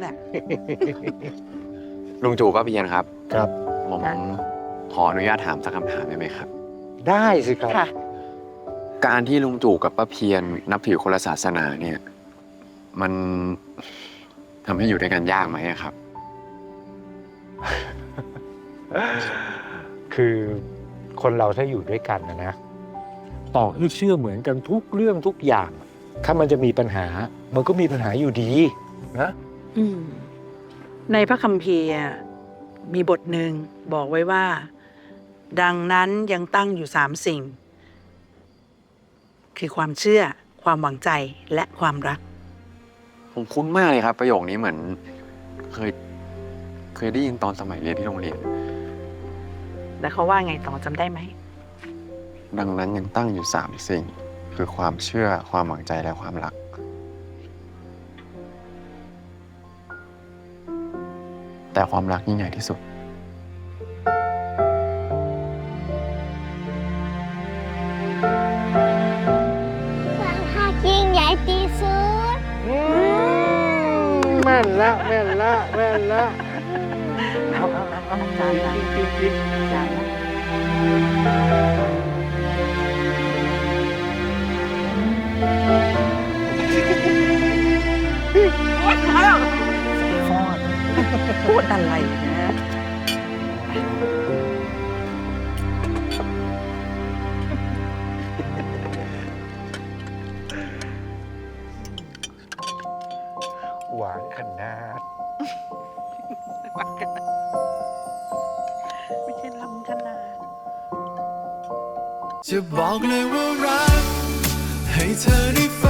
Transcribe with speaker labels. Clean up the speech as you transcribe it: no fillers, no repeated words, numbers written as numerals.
Speaker 1: แหละ
Speaker 2: ลุงจู่ป้าเพียนครับ
Speaker 3: ครับ
Speaker 2: ผมขออนุญาตถามสักคำถามได้ไหมครับ
Speaker 3: ได้สิครับ
Speaker 1: ค่ะ
Speaker 2: การที่ลุงจู่กับป้าเพียนนับถือคนละศาสนาเนี่ย มันทำให้อยู่ด้วยกันยากไหมอะครับ
Speaker 3: คือคนเราถ้าอยู่ด้วยกันนะต่อให้เชื่อเหมือนกันทุกเรื่องทุกอย่าง ถ้ามันจะมีปัญหา มันก็มีปัญหาอยู่ดีนะ
Speaker 1: อืมในพระคัมภีร์มีบทหนึ่งบอกไว้ว่า ดังนั้นยังตั้งอยู่3 สิ่ง คือความเชื่อ ความหวังใจและความรัก
Speaker 2: ผมคุ้นมากเลยครับ ประโยคนี้เหมือนเคยได้ยินตอนสมัยเรียนที่โรงเรียน
Speaker 1: แล้วเขาว่าไงต่อจำได้ไหม
Speaker 2: ดังนั้นยังตั้งอยู่3 สิ่ง คือความเชื่อความหวังใจและความรัก แต่ความรักยิ่งใหญ่ที่สุด
Speaker 4: ความหักยิ่งใหญ่ที่สุด
Speaker 3: แม่นละแม่นละแม่นละ
Speaker 1: เอาจานละจานละพูดอะไรนะ
Speaker 3: หวานขนาด
Speaker 1: ไม่ใช่ลำขนาด
Speaker 5: จะบอกเลยว่ารัก ให้เธอได้